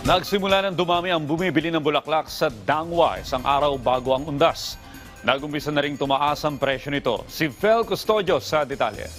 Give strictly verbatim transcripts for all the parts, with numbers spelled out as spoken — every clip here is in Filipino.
Nagsimula ng dumami ang bumibili ng bulaklak sa Dangwa isang araw bago ang undas. Nagumpisa na ring tumaas ang presyo nito. Si Fel Custodio sa detalye.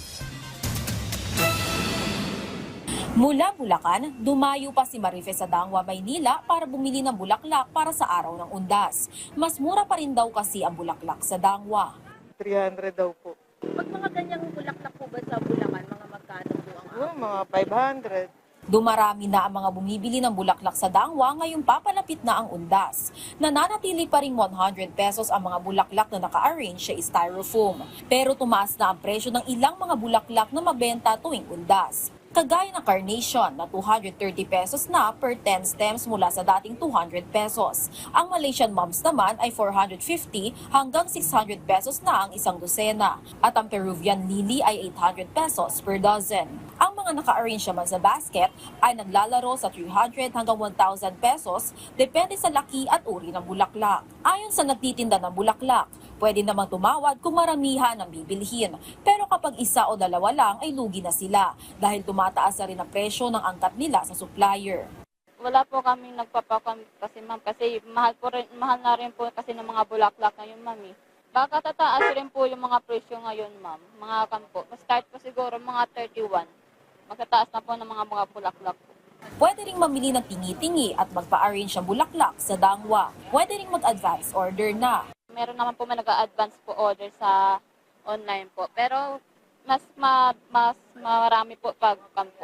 Mula Bulacan, dumayo pa si Marife sa Dangwa, Maynila para bumili ng bulaklak para sa araw ng undas. Mas mura pa rin daw kasi ang bulaklak sa Dangwa. three hundred daw po. Pag mga ganyang bulaklak po ba sa Bulacan, mga magkano po ang Oh, mga five hundred. Dumarami na ang mga bumibili ng bulaklak sa Dangwa ngayong papalapit na ang undas. Nananatili pa ring one hundred pesos ang mga bulaklak na naka-arrange sa styrofoam. Pero tumaas na ang presyo ng ilang mga bulaklak na mabenta tuwing undas. Kagaya ng carnation na two hundred thirty pesos na per ten stems mula sa dating two hundred pesos. Ang Malaysian mums naman ay four hundred fifty hanggang six hundred pesos na ang isang dosena. At ang Peruvian lily ay eight hundred pesos per dozen. Ang mga naka-arrange naman sa basket ay naglalaro sa three hundred hanggang one thousand pesos depende sa laki at uri ng bulaklak. Ayon sa nagtitinda ng bulaklak, pwede namang tumawad kung maramihan ang bibilhin. Pero kapag isa o dalawa lang ay lugi na sila dahil tumataas na rin ang presyo ng angkat nila sa supplier. Wala po kami nagpapakam kasi ma'am kasi mahal po rin, mahal na rin po kasi ng mga bulaklak ngayon ma'am. Baka tataas rin po yung mga presyo ngayon ma'am. Mga kampo. Start po siguro mga thirty-one. Magtataas na po ng mga mga bulaklak po. Pwede ring mamili ng tingi-tingi at magpa-arrange ng bulaklak sa Dangwa. Pwede ring mag-advance order na. Meron naman po may nag-advance po order sa online po. Pero mas ma, mas marami po pag kampo.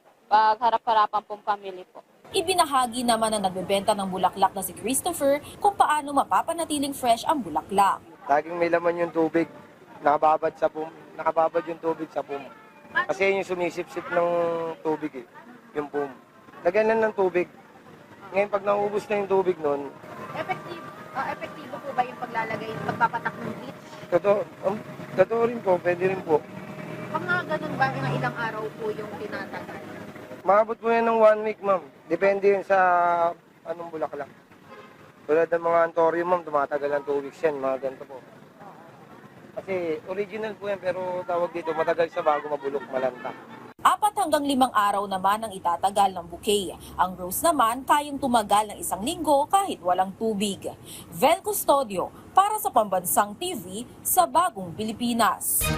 Pag harap-harapan pong family po. Ibinahagi naman na nagbebenta ng bulaklak na si Christopher kung paano mapapanatiling fresh ang bulaklak. Laging may laman yung tubig. Nakababad sa pum, nakababad yung tubig sa pum. Kasi yun yung sumisip-sip ng tubig eh, yung pum. Lagyan lang ng tubig. Ngayon pag naubos na yung tubig nun, Effective, uh, epektibo po ba yung paglalagay, pagpapatak ng bleach? totoo, um, totoo rin po, pwede rin po. Pag mga ganun ba, mga ilang araw po yung tinatagal? Maabot mo yan ng one week, ma'am. Depende yun sa anong bulaklak. Tulad ng mga antorium, ma'am, tumatagal ng two weeks yan, mga ganito po. Kasi original po yan, pero tawag dito, matagal sa bago mabulok, malanta. Apat hanggang limang araw naman ang itatagal ng bouquet. Ang rose naman kayang tumagal ng isang linggo kahit walang tubig. Vel Custodio para sa Pambansang T V sa Bagong Pilipinas.